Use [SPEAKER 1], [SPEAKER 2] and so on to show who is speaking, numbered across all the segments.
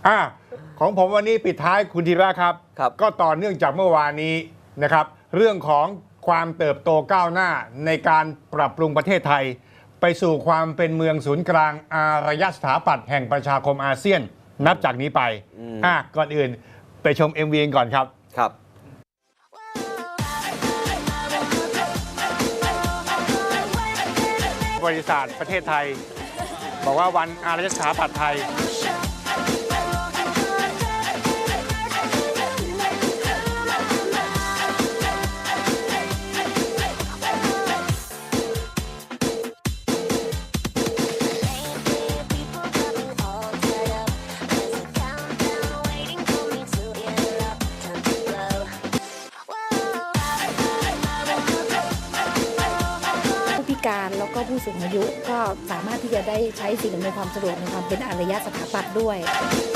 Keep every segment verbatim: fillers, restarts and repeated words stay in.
[SPEAKER 1] อ่ะของผมวันนี้ปิดท้ายคุณธีระครับ
[SPEAKER 2] ครับ
[SPEAKER 1] ก็ต่อเนื่องจากเมื่อวานนี้นะครับเรื่องของความเติบโตก้าวหน้าในการปรับปรุงประเทศไทย ไปสู่ความเป็นเมืองศูนย์กลางอารยสถาปัตย์แห่งประชาคมอาเซียนนับจากนี้ไปอ่ะก่อนอื่นไปชม เอ็ม วี ก่อนครับ
[SPEAKER 2] ครับ
[SPEAKER 1] บริษัทประเทศไทยบอกว่าวันอารยสถาปัตย์ไทย
[SPEAKER 3] การแล้วก็ผู้สูงอายุก็สามารถที่จะได้ใช้สิ่งอำนวยความสะดวกในความเป็นอารยสถาปัตย์ด้วย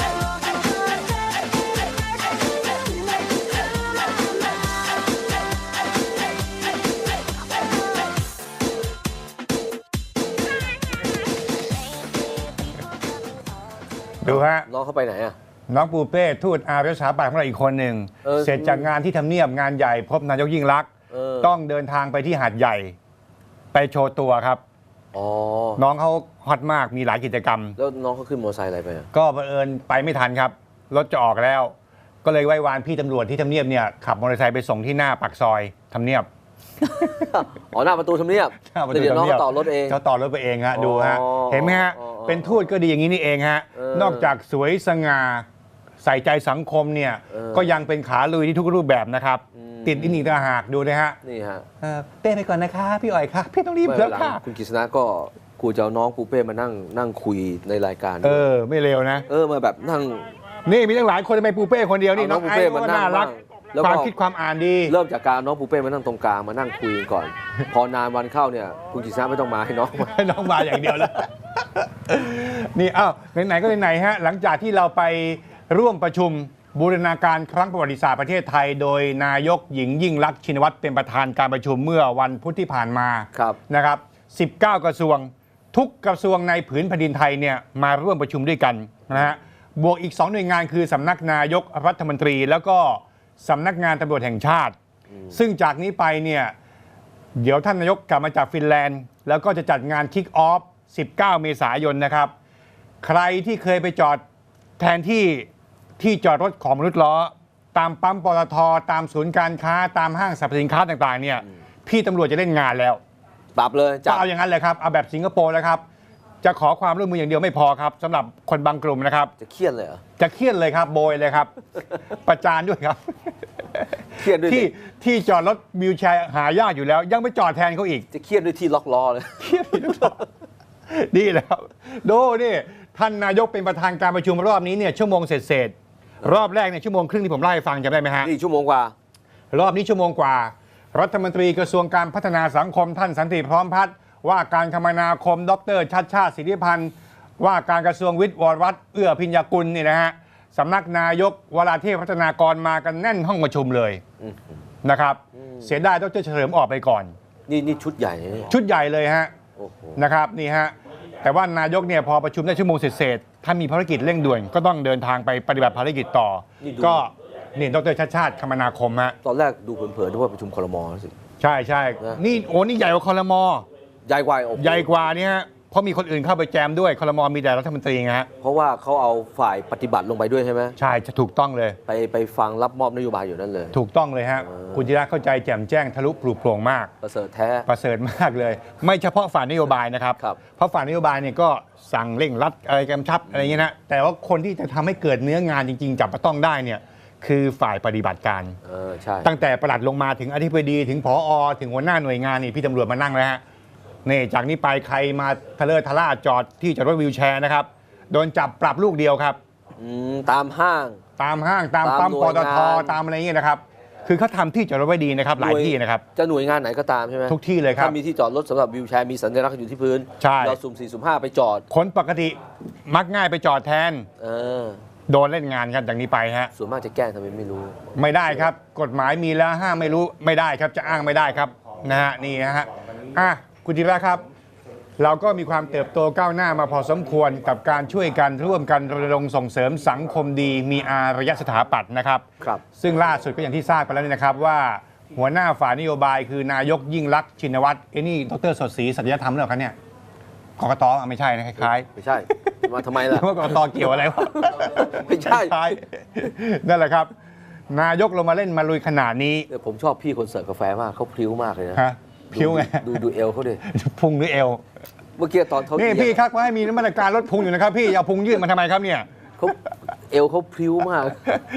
[SPEAKER 1] ดูฮะ
[SPEAKER 2] น้องเขาไปไหนอ่ะ
[SPEAKER 1] น้องปูเป้ทูตอารยสถาปัตย์ของเราอีกคนหนึ่งเสร็จจากงานที่ทำเนียบงานใหญ่พบนายกยิ่งลักษณ์ต้องเดินทางไปที่หาดใหญ่ไปโชว์ตัวครับน้องเขาฮอตมากมีหลายกิจกรรม
[SPEAKER 2] แล้วน้องเขาขึ้นมอเตอร์ไซค์อะไรไป
[SPEAKER 1] ก็บังเอิญไปไม่ทันครับรถจะออกแล้วก็เลยไหว้วานพี่ตำรวจที่ทำเนียบเนี่ยขับมอเตอร์ไซค์ไปส่งที่หน้าปากซอยทำเนียบ
[SPEAKER 2] อ๋อหน้าประตูทำเนียบเดี๋ยวน้องต่อรถเอง
[SPEAKER 1] เขาต่อรถไปเองฮะดูฮะเห็นไหมฮะเป็นทูตก็ดีอย่างนี้นี่เองฮะนอกจากสวยสง่าใส่ใจสังคมเนี่ยก็ยังเป็นขาลุยที่ทุกรูปแบบนะครับติดอินอีกต่างหากดูนะฮะ
[SPEAKER 2] นี่ฮะ
[SPEAKER 1] เต้ไปก่อนนะคะพี่อ๋อยค่ะพี่ต้องรีบเถอะค่ะ
[SPEAKER 2] คุณกฤษณะก็กูจะเอาน้องปูเป้มานั่งนั่งคุยในรายการ
[SPEAKER 1] เออไม่เร็วนะ
[SPEAKER 2] เออมาแบบนั่ง
[SPEAKER 1] นี่มีตั้งหลายคนทำไมปูเป้คนเดียวนี่น้องไอ้ก็น่ารักความคิดความอ่านดี
[SPEAKER 2] เริ่มจากการน้องปูเป้มานั่งตรงกลางมานั่งคุยก่อนพอนานวันเข้าเนี่ยคุณกฤษณะไม่ต้องมาให้น้อง
[SPEAKER 1] ให้น้องมาอย่างเดียวแล้วนี่อ้าวไหนๆก็ไหนๆฮะหลังจากที่เราไปร่วมประชุมบูรณาการครั้งประวัติศาสตร์ประเทศไทยโดยนายกหญิงยิ่งลักษณ์ชินวัตรเป็นประธานการประชุมเมื่อวันพุธที่ผ่านมานะครับสิบเก้ากระทรวงทุกกระทรวงในผืนแผ่นดินไทยเนี่ยมาร่วมประชุมด้วยกันนะฮะบวกอีกสองหน่วยงานคือสำนักนายกรัฐมนตรีแล้วก็สำนักงานตำรวจแห่งชาติซึ่งจากนี้ไปเนี่ยเดี๋ยวท่านนายกกลับมาจากฟินแลนด์แล้วก็จะจัดงานคิกออฟสิบเก้าเมษายนนะครับใครที่เคยไปจอดแทนที่ที่จอดรถของมนุษย์ล้อตามปั๊มปตท.ตามศูนย์การค้าตามห้างสรรพสินค้าต่างๆเนี่ยพี่ตำรวจจะเล่นงานแล้ว
[SPEAKER 2] ปรับเลย
[SPEAKER 1] จะเอาอย่างนั้นเลยครับเอาแบบสิงคโปร์แล้วครับจะขอความร่วมมืออย่างเดียวไม่พอครับสำหรับคนบางกลุ่มนะครับ
[SPEAKER 2] จะเครียดเลยเหรอ
[SPEAKER 1] จะเครียดเลยครับโบยเลยครับประจานด้วยครับ
[SPEAKER 2] เครียดด้วย
[SPEAKER 1] ที่ที่จอดรถวิวแชร์หายากอยู่แล้วยังไปจอดแทนเขาอีก
[SPEAKER 2] จะเครียดด้วยที่ล็อกล้อเลย
[SPEAKER 1] เครียดที่ล็อกล้อดีแล้วดูนี่ท่านนายกเป็นประธานการประชุมรอบนี้เนี่ยชั่วโมงเศษรอบแรกเนี่ยชั่วโมงครึ่งที่ผมเล่าให้ฟังจำได้ไหมฮะ
[SPEAKER 2] นี่ชั่วโมงกว่
[SPEAKER 1] ารอบนี้ชั่วโมงกว่ารัฐมนตรีกระทรวงการพัฒนาสังคมท่านสันติพร้อมพัฒน์ว่าการคมนาคมดรชัชชาติสิทธิพันธ์ว่าการกระทรวงวิทย์วรวัฒน์เอื้อพิญญากุลนี่นะฮะสำนักนายกวราเทพพัฒนากรมากันแน่นห้องประชุมเลยนะครับเสียดายดรเฉลิมออกไปก่อน
[SPEAKER 2] นี่นี่ชุดใหญ่
[SPEAKER 1] ชุดใหญ่เลยฮะนะครับนี่ฮะแต่ว่านายกเนี่ยพอประชุมได้ชั่วโมงเศษถ้ามีภารกิจเร่งด่วนก็ต้องเดินทางไปปฏิบัติภารกิจต่อก็นี่ดรชัชชาติคมนาคมฮะ
[SPEAKER 2] ตอนแรกดูเผินๆนึกว่าประชุมครม.สิ
[SPEAKER 1] ใช่ใช่นี่โอ้นี่ใหญ่กว่าครม.
[SPEAKER 2] ใหญ่กว่า
[SPEAKER 1] ใหญ่กว่านี่ฮะเพราะมีคนอื่นเข้าไปแจมด้วยครม.มีแต่รัฐมนตรีไงฮะ
[SPEAKER 2] เพราะว่าเขาเอาฝ่ายปฏิบัติลงไปด้วยใช่ไหม
[SPEAKER 1] ใช่จะถูกต้องเลย
[SPEAKER 2] ไปไปฟังรับมอบนโยบายอยู่นั่นเลย
[SPEAKER 1] ถูกต้องเลยฮะคุณจิระเข้าใจแจ่มแจ้งทะลุปลุกโปร่งมาก
[SPEAKER 2] ประเสริฐแท้
[SPEAKER 1] ประเสริฐมากเลยไม่เฉพาะฝ่ายนโยบายนะครับเพราะฝ่ายนโยบายเนี่ยก็สั่งเร่งรัดอะไรกำชับอะไรเงี้ยนะแต่ว่าคนที่จะทำให้เกิดเนื้องานจริงๆจับต้องได้เนี่ยคือฝ่ายปฏิบัติการตั้งแต่ปลัดลงมาถึงอธิบดีถึงผอ.ถึงหัวหน้าหน่วยงานนี่พี่ตำรวจมานั่งแล้วฮะนี่จากนี้ไปใครมาทะเลทะล่าจอดที่จอดรถวิวแชร์นะครับโดนจับปรับลูกเดียวครับ
[SPEAKER 2] ตามห้าง
[SPEAKER 1] ตามห้างตามปั๊มปตท.ตามอะไรเงี้ยนะครับคือเขาทำที่จอดรถไว้ดีนะครับหลายที่นะครับ
[SPEAKER 2] จะหน่วยงานไหนก็ตามใช่ไหม
[SPEAKER 1] ทุกที่เลยครับ
[SPEAKER 2] ถ้ามีที่จอดรถสำหรับวิวแชร์มีสัญลักษณ์อยู่ที่พื้นเราสุ่มสี่สุ่มห้าไปจอด
[SPEAKER 1] คนปกติมักง่ายไปจอดแทน
[SPEAKER 2] เออ
[SPEAKER 1] โดนเล่นงานกันจากนี้ไปฮะ
[SPEAKER 2] ส่วนมากจะแก้ทำไมไม่รู้
[SPEAKER 1] ไม่ได้ครับกฎหมายมีแล้วห้ามไม่รู้ไม่ได้ครับจะอ้างไม่ได้ครับนะฮะนี่นะฮะอ่ะคุณธีระครับเราก็มีความเติบโตก้าวหน้ามาพอสมควรกับการช่วยกันร่วมกันรณรงค์ส่งเสริมสังคมดีมีอารยสถาปัตย์นะครับ
[SPEAKER 2] ครับ
[SPEAKER 1] ซึ่งล่าสุดก็อย่างที่ทราบไปแล้วนี่นะครับว่าหัวหน้าฝ่ายนโยบายคือนายกยิ่งลักษณ์ชินวัตรไอ้นี่ดรสดศรีสัตยธรรมหรือเปล่าครับเนี่ยกกตอ่ะไม่ใช่นะคล้ายๆ
[SPEAKER 2] ไม่ใช่ มาทำไมล่ะ
[SPEAKER 1] ว่ากกตเกี่ยวอะไรวะ
[SPEAKER 2] ไม่ใช่
[SPEAKER 1] คล้ายๆนั่นแหละครับ นายกลงมาเล่นมาลุยขนาดนี้
[SPEAKER 2] เนี่ยผมชอบพี่คนเสิร์ฟกาแฟมากเขาพริ้วมากเลยนะ
[SPEAKER 1] ฮะพิ้วไง
[SPEAKER 2] ดูดูดูเอวเขาดิ
[SPEAKER 1] พุงหรือเอว
[SPEAKER 2] เมื่อกี้ตอนเขา
[SPEAKER 1] นี่
[SPEAKER 2] เหยียบ
[SPEAKER 1] พี่ครับว่าให้มีมาตรการลดพุงอยู่นะครับพี่อย่าพุงยืดมาทำไมครับเนี่ย
[SPEAKER 2] เขาเอวเขาพริ้วมาก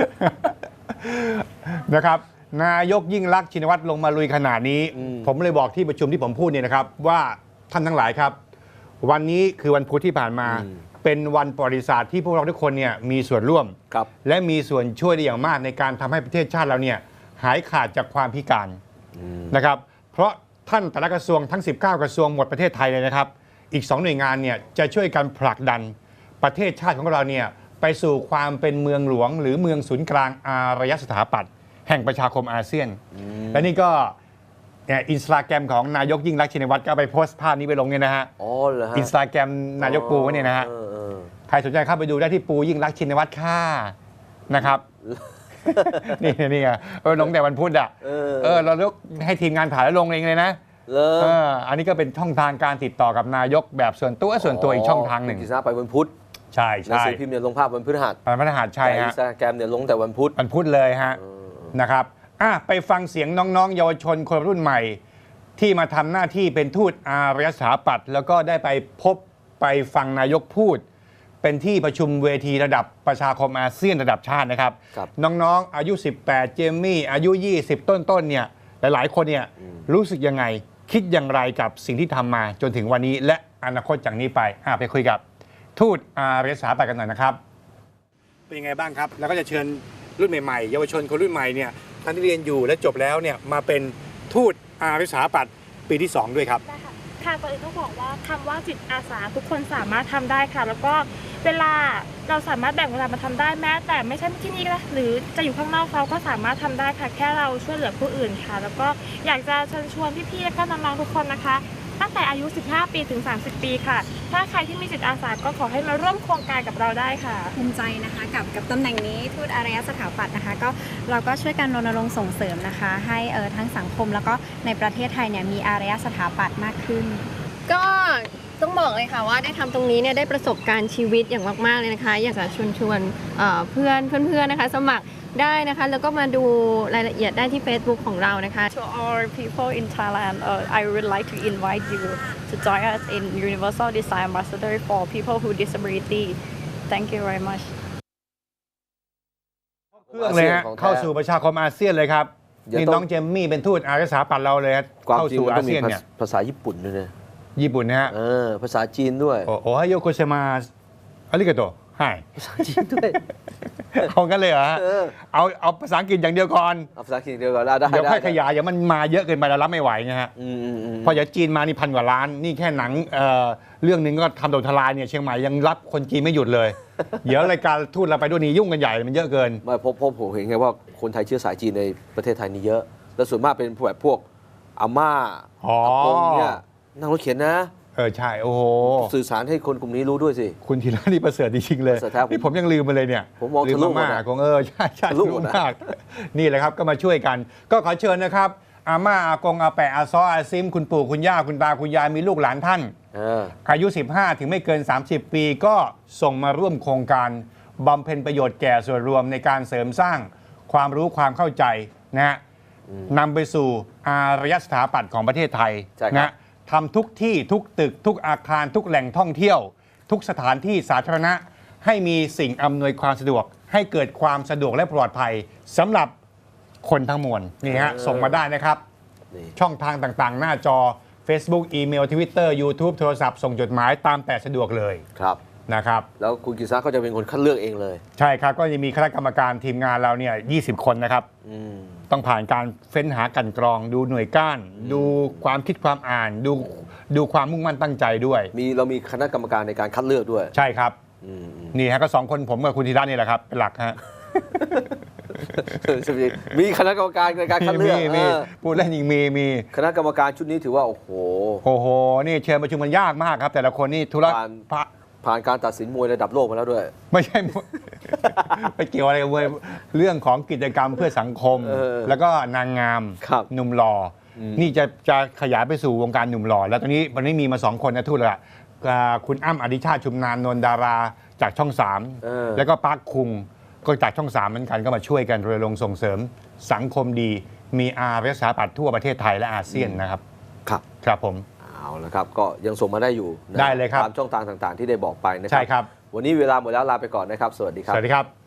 [SPEAKER 1] นะครับนายกยิ่งลักษณ์ชินวัตรลงมาลุยขนาดนี้
[SPEAKER 2] อืม
[SPEAKER 1] ผมเลยบอกที่ประชุมที่ผมพูดเนี่ยนะครับ ว่าท่านทั้งหลายครับ วันนี้คือวันพุธที่ผ่านมา เป็นวันประวัติศาสตร์ที่พวกเราทุกคนเนี่ยมีส่วนร่วม
[SPEAKER 2] ครับ
[SPEAKER 1] และมีส่วนช่วยได้อย่างมากในการทำให้ประเทศชาติเราเนี่ยหายขาดจากความพิการนะครับ เพราะท่านแต่ละกระทรวงทั้ง สิบเก้า กระทรวงหมดประเทศไทยเลยนะครับ อีกสองหน่วยงานเนี่ยจะช่วยกันผลักดันประเทศชาติของเราเนี่ยไปสู่ความเป็นเมืองหลวง หรือเมืองศูนย์กลางอารยสถาปัตย์แห่งประชาคมอาเซียน และนี่ก็อินสตาแกรมของนายกยิ่งลักษณ์ชินวัตรก็เอาไปโพสต์ภาพนี้ไปลงเนี่ยนะฮะ
[SPEAKER 2] อ๋อเหรอฮะ
[SPEAKER 1] อินสตาแกรมนายกปูเนี่ยนะฮะ
[SPEAKER 2] เออเออ
[SPEAKER 1] ใครสนใจเข้าไปดูได้ที่ปูยิ่งรักษณ์ชินวัตรค่ะนะครับ นี่นี่ไงเออลงแต่วันพุธอ่ะ
[SPEAKER 2] เออ
[SPEAKER 1] เออเราเลือกให้ทีมงานถ่ายแล้วลงเองเลยนะ
[SPEAKER 2] เล
[SPEAKER 1] เอออันนี้ก็เป็นช่องทางการติดต่อกับนายกแบบส่วนตัวส่วนตัวอีกช่องทางหนึ่ง
[SPEAKER 2] กิจนาไปวันพุธ
[SPEAKER 1] ใช่
[SPEAKER 2] หนัง
[SPEAKER 1] ใช่
[SPEAKER 2] สือพิมพ์เนี่ยลงภาพวันพฤหัส
[SPEAKER 1] มันพระทหารใช่
[SPEAKER 2] แต่อิน
[SPEAKER 1] ฮะ
[SPEAKER 2] สตาแกรมเนี่ยลงแต่วันพุธ
[SPEAKER 1] วันพุธเลยฮะ
[SPEAKER 2] เออ
[SPEAKER 1] นะครับอ่ะไปฟังเสียงน้องๆ เยาวชนคนรุ่นใหม่ ที่มาทำหน้าที่เป็นทูตอารยสถาปัตย์แล้วก็ได้ไปพบไปฟังนายกพูด เป็นที่ประชุมเวทีระดับประชาคมอาเซียนระดับชาตินะครับ
[SPEAKER 2] ครับ
[SPEAKER 1] น้องๆ อายุ สิบแปด เจมมี่ อายุ ยี่สิบ ต้นๆ เนี่ย หลายๆ คนเนี่ยรู้สึกยังไง คิดอย่างไรกับสิ่งที่ทำมาจนถึงวันนี้ และอนาคตจากนี้ไปอ่ะไปคุยกับทูตอารยสถาปัตย์กันหน่อยนะครับ เป็นยังไงบ้างครับ แล้วก็จะเชิญรุ่นใหม่ๆ เยาวชนคนรุ่นใหม่เนี่ยท่านที่เรียนอยู่และจบแล้วเนี่ยมาเป็นทูตอารยสถาปัตย์ปีที่สองด้วยครับ
[SPEAKER 4] ได้ค่ะค่ะก่อนอื่นต้องบอกว่าคำว่าจิตอาสาทุกคนสามารถทำได้ค่ะ แล้วก็เวลาเราสามารถแบ่งเวลามาทำได้แม้ แต่ไม่ใช่ที่นี่ก็ได้หรือจะอยู่ข้างนอกเราก็สามารถทำได้ค่ะ แค่เราช่วยเหลือผู้อื่นค่ะ แล้วก็อยากจะเชิญชวนพี่ๆและก็น้องๆทุกคนนะคะ ตั้งแต่อายุ สิบห้า ปีถึง สามสิบ ปีค่ะ ถ้าใครที่มีจิตอาสาก็ขอให้มาร่วมโครงการกับเราได้ค่ะ
[SPEAKER 5] ภูมิใจนะคะกับกับตำแหน่งนี้ทูตอารยสถาปัตย์นะคะก็เราก็ช่วยกันรณรงค์ส่งเสริมนะคะ ให้เออทั้งสังคมแล้วก็ในประเทศไทยเนี่ยมีอารยสถาปัตย์มากขึ้น
[SPEAKER 6] ก็ต้องบอกเลยค่ะว่าได้ทำตรงนี้เนี่ยได้ประสบการณ์ชีวิตอย่างมากๆเลยนะคะ อยากจะชวนชวนเอ่อเพื่อนเพื่อนๆนะคะ สมัครได้นะคะ แล้วก็มาดูรายละเอียดได้ที่ Facebook ของเรานะคะ
[SPEAKER 7] To all people in Thailand, uh, I would like to invite you to join us in Universal Design Ambassador for people with disability. Thank you very much.
[SPEAKER 1] เครื่องเลยฮะ
[SPEAKER 2] ของแท้
[SPEAKER 1] เข้าสู่ประชาคมอาเซียนเลยครับ
[SPEAKER 2] เดี๋ยว
[SPEAKER 1] นี่
[SPEAKER 2] ต้อง
[SPEAKER 1] น้องเจมมี่เป็นทูตอารยสถาปัตย์เราเลยครับ
[SPEAKER 2] ความ
[SPEAKER 1] เข้า
[SPEAKER 2] จริง
[SPEAKER 1] สู่
[SPEAKER 2] มัน
[SPEAKER 1] อา
[SPEAKER 2] ต้องมี
[SPEAKER 1] เซียน
[SPEAKER 2] ภา
[SPEAKER 1] เนี่ย
[SPEAKER 2] ภาษาญี่ปุ่นด้วยนะ
[SPEAKER 1] ญี่ปุ่นนะฮะ
[SPEAKER 2] เออภาษาจีนด้วย
[SPEAKER 1] โอโอไฮโยโกเซมาอาริกาโตไฮ
[SPEAKER 2] ภาษาจีนด้วย
[SPEAKER 1] เอากันเลยเหรอฮะ
[SPEAKER 2] เออ
[SPEAKER 1] เอาเอาภาษาอังกฤษอย่างเดียวก่อน
[SPEAKER 2] เอาภาษาจีนเดียวกันได้ได้
[SPEAKER 1] เดี๋ยวค่อย
[SPEAKER 2] ได้
[SPEAKER 1] ขยายเดี๋ยวมันมาเยอะเกินไปเรารับไม่ไหวไงฮะ
[SPEAKER 2] อืมอืมอืม
[SPEAKER 1] พอเดี๋ยวจีนมานี่พันกว่าล้าน นี่แค่หนังเอ่อเรื่องหนึงก็ทำโดนทลายเนี่ยเชียงใหม่ยังรับคนจีนไม่หยุดเลย เดี๋ยวรายการทูตเราไปด้วยนี่ยุ่งกันใหญ่มันเยอะเกิน
[SPEAKER 2] ไม่เพราะเพราะผมเห็นไงว่าคนไทยเชื้อสายจีนในประเทศไทยนี่เยอะ แล้วส่วนมากเป็นพวกแบบพวกอาม่า
[SPEAKER 1] อ๋อ
[SPEAKER 2] อากงเนี่ยนั่งรถเข็นนะ
[SPEAKER 1] เออใช่โอ้โห
[SPEAKER 2] สื่อสารให้คนกลุ่มนี้รู้ด้วยสิ
[SPEAKER 1] คุณธีระนี่ประเสริฐจริงๆเลย
[SPEAKER 2] ประเสริฐแท้ผม
[SPEAKER 1] นี่ผมยังลืมไปเลยเนี่ย
[SPEAKER 2] ผมมอง
[SPEAKER 1] ลื
[SPEAKER 2] ทะลุหมด
[SPEAKER 1] มา
[SPEAKER 2] อะ
[SPEAKER 1] กของเออใช่ใช่
[SPEAKER 2] ทะลุหมด
[SPEAKER 1] รู้
[SPEAKER 2] อะ
[SPEAKER 1] มากนี่แหละครับก็มาช่วยกัน ก็ขอเชิญนะครับ อาม่าอากงอาแปะอาซ้ออาซิม คุณปู่คุณย่าคุณตาคุณยายมีลูกหลานท่าน
[SPEAKER 2] เออ
[SPEAKER 1] อายุ สิบห้า ถึงไม่เกิน สามสิบ ปีก็ส่งมาร่วมโครงการบำเพ็ญประโยชน์แก่ส่วนรวมในการเสริมสร้างความรู้ความเข้าใจนะฮะนำไปสู่อารยสถาปัตย์ของประเทศไทย
[SPEAKER 2] ใช่ครับ
[SPEAKER 1] นะทำทุกที่ทุกตึก ทุกอาคารทุกแหล่งท่องเที่ยว ทุกสถานที่สาธารณะให้มีสิ่งอำนวยความสะดวก ให้เกิดความสะดวกและปลอดภัยสำหรับคนทั้งมวลนี่ฮะส่งมาได้นะครับ
[SPEAKER 2] นี่
[SPEAKER 1] ช่องทางต่างๆ หน้าจอ Facebook อีเมล Twitter YouTube โทรศัพท์ส่งจดหมายตามแต่สะดวกเลย
[SPEAKER 2] ครับ
[SPEAKER 1] นะครับ
[SPEAKER 2] แล้วคุณกิษณะก็จะเป็นคนคัดเลือกเองเลย
[SPEAKER 1] ใช่ครับก็ยังมีคณะกรรมการทีมงานเราเนี่ยยี่สิบ คนนะครับ
[SPEAKER 2] อืม
[SPEAKER 1] ต้องผ่านการเฟ้นหากลั่นกรอง ดูหน่วยก้าน ดูความคิดความอ่าน ดูดูความมุ่งมั่นตั้งใจด้วย
[SPEAKER 2] มีเรามีคณะกรรมการในการคัดเลือกด้วย
[SPEAKER 1] ใช่ครับ
[SPEAKER 2] อืมอืม
[SPEAKER 1] นี่ฮะก็สองคนผมกับคุณธีระนี่แหละครับเป็นหลักฮะ
[SPEAKER 2] มีคณะกรรมการในการคัดเลือก
[SPEAKER 1] มีมี
[SPEAKER 2] เออ
[SPEAKER 1] พูดเล่นยิงมีมี
[SPEAKER 2] คณะกรรมการชุดนี้ถือว่าโอ้โห
[SPEAKER 1] โอ้โห นี่เชิญประชุมกันยากมากครับ แต่ละคนนี่ธุระ
[SPEAKER 2] ผ่าน
[SPEAKER 1] พระ
[SPEAKER 2] ผ่านการตัดสินมวยระดับโลกมาแล้วด้วย
[SPEAKER 1] ไม่ใช่ ไปเกี่ยวอะไรกับเว้ยเรื่องของกิจกรรมเพื่อสังคม
[SPEAKER 2] เออ
[SPEAKER 1] แล้วก็นางงาม
[SPEAKER 2] ครับ
[SPEAKER 1] หนุ่มหล่ออ
[SPEAKER 2] ม
[SPEAKER 1] นี่จะจะขยายไปสู่วงการหนุ่มหล่อแล้วตอนนี้วันนี้มีมาสองคนนะทูตละอ่าคุณอ้ำอดิชาติชุมนานนนท์ดาราจากช่องสาม
[SPEAKER 2] เออ
[SPEAKER 1] แล้วก็ปาร์คคุงก็จากช่องสามเหมือนกันก็มาช่วยกันรณรงค์ส่งเสริมสังคมดี มีอารยสถาปัตย์ทั่วประเทศไทยและอาเซียนนะครับ
[SPEAKER 2] ครับ
[SPEAKER 1] ครับผม
[SPEAKER 2] เอาละครับ ก็ยังส่งมาได้อยู่นะ
[SPEAKER 1] ได้เลยครับ
[SPEAKER 2] ตามช่องทางต่างๆ ที่ได้บอกไปนะครั
[SPEAKER 1] ใช่ครับ
[SPEAKER 2] วันนี้เวลาหมดแล้วลาไปก่อนนะครับ สวัสดีค
[SPEAKER 1] ส
[SPEAKER 2] รับ
[SPEAKER 1] วัสดีครับ